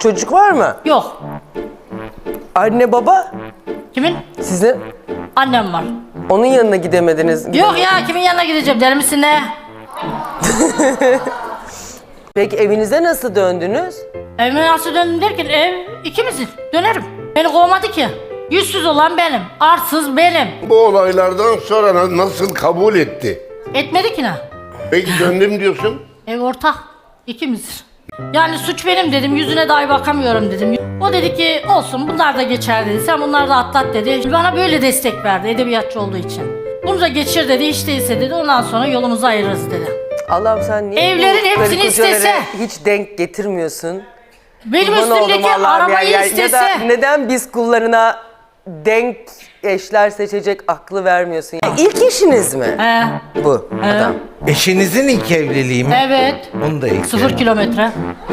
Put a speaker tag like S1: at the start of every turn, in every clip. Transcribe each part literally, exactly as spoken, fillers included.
S1: çocuk var mı?
S2: Yok.
S1: Anne baba?
S2: Kimin?
S1: Sizin?
S2: Annem var.
S1: Onun yanına gidemediniz.
S2: Yok ya, kimin yanına gideceğim? Deli misin ne?
S1: Peki evinize nasıl döndünüz?
S2: Evime nasıl döndüm derken ev ikimizin. Dönerim. Beni kovmadı ki. Yüzsüz olan benim. Arsız benim.
S3: Bu olaylardan sonra na- nasıl kabul etti?
S2: Etmedi ki ne?
S3: Peki döndüm diyorsun.
S2: Ev ortak. İkimiz. Yani suç benim dedim. Yüzüne dahi bakamıyorum dedim. O dedi ki olsun bunlar da geçer dedi. Sen bunları da atlat dedi. Bana böyle destek verdi edebiyatçı olduğu için. Bunu da geçir dedi. Hiç değilse dedi. Ondan sonra yolumuzu ayırırız dedi.
S1: Allah'ım sen niye
S2: Evlerin
S1: bu
S2: hepsini
S1: karı kocalara
S2: istese.
S1: hiç denk getirmiyorsun?
S2: Benim
S1: Kurban oldum
S2: üstümdeki
S1: Allah'ım
S2: arabayı
S1: ya. Ya-
S2: istese.
S1: Ya da neden biz kullarına denk eşler seçecek aklı vermiyorsun? Ya İlk eşiniz mi?
S2: He,
S1: Bu adam.
S4: Eşinizin ilk evliliği mi?
S2: evet.
S4: Onu da ekleyelim.
S2: Sıfır kilometre.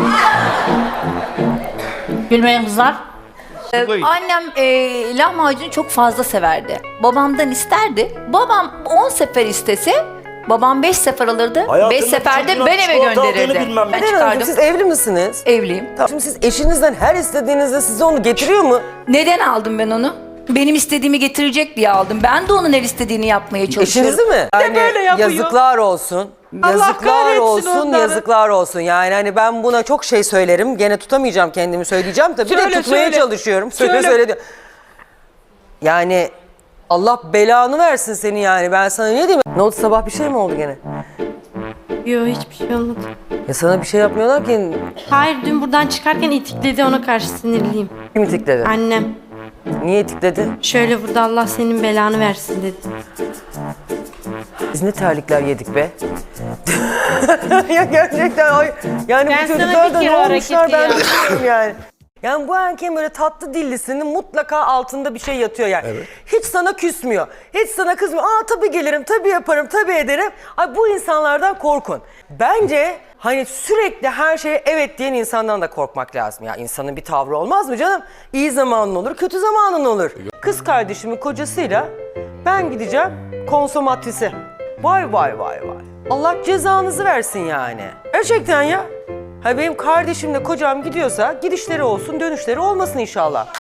S2: Gülmeyin kızlar.
S5: Ee, Annem e, lahmacunu çok fazla severdi. Babamdan isterdi. Babam on sefer istese, babam beş sefer alırdı.
S6: Hayatımda
S5: beş seferde
S6: çocuğuna
S5: ben eve
S6: çikolata aldığını
S5: gönderirdim.
S6: bilmem.
S5: Ben
S1: Neden Hanımcığım,
S5: çıkardım.
S1: siz evli misiniz?
S5: Evliyim.
S1: Tamam. Şimdi siz eşinizden her istediğinizde size onu getiriyor mu?
S5: Neden aldım ben onu? Benim istediğimi getirecek diye aldım. Ben de onun her istediğini yapmaya çalışıyorum.
S1: Eşinizi mi? Yani
S5: böyle yapıyor.
S1: yazıklar olsun.
S5: Allah
S1: Yazıklar
S5: kahretsin
S1: olsun,
S5: onları.
S1: yazıklar olsun. Yani hani ben buna çok şey söylerim. Gene tutamayacağım kendimi söyleyeceğim tabii. Bir de
S5: Söyle,
S1: tutmaya
S5: söyle.
S1: çalışıyorum. Söyle
S5: Söyle.
S1: söyle diyor. Yani Allah belanı versin seni yani. Ben sana ne diyeyim? Ne oldu, sabah bir şey mi oldu gene?
S7: Yok, hiçbir şey olmadı.
S1: Ya sana bir şey yapmıyorlar ki.
S7: Hayır, dün buradan çıkarken itikledi, ona karşı sinirliyim.
S1: Kim itikledi?
S7: Annem
S1: Niye itikledi?
S7: şöyle burada Allah senin belanı versin dedi.
S1: Biz ne terlikler yedik be. Ya gerçekten ay, yani
S7: Ben
S1: bu
S7: sana
S1: çocuklar
S7: bir
S1: da ne
S7: kere
S1: olmuşlar
S7: hareketi
S1: ben
S7: ya.
S1: bilmiyorum yani. Yani bu erkeğin böyle tatlı dillisinin mutlaka altında bir şey yatıyor yani. Hiç sana küsmüyor. Hiç sana kızmıyor. Aa tabii gelirim, tabii yaparım, tabii ederim. Ay bu insanlardan korkun. Bence hani sürekli her şeye evet diyen insandan da korkmak lazım. Ya insanın bir tavrı olmaz mı canım? İyi zamanın olur, kötü zamanın olur. Kız kardeşimin kocasıyla ben gideceğim konsomatrise. Vay vay vay vay. Allah cezanızı versin yani. Gerçekten ya. Ha benim kardeşimle kocam gidiyorsa gidişleri olsun, dönüşleri olmasın inşallah.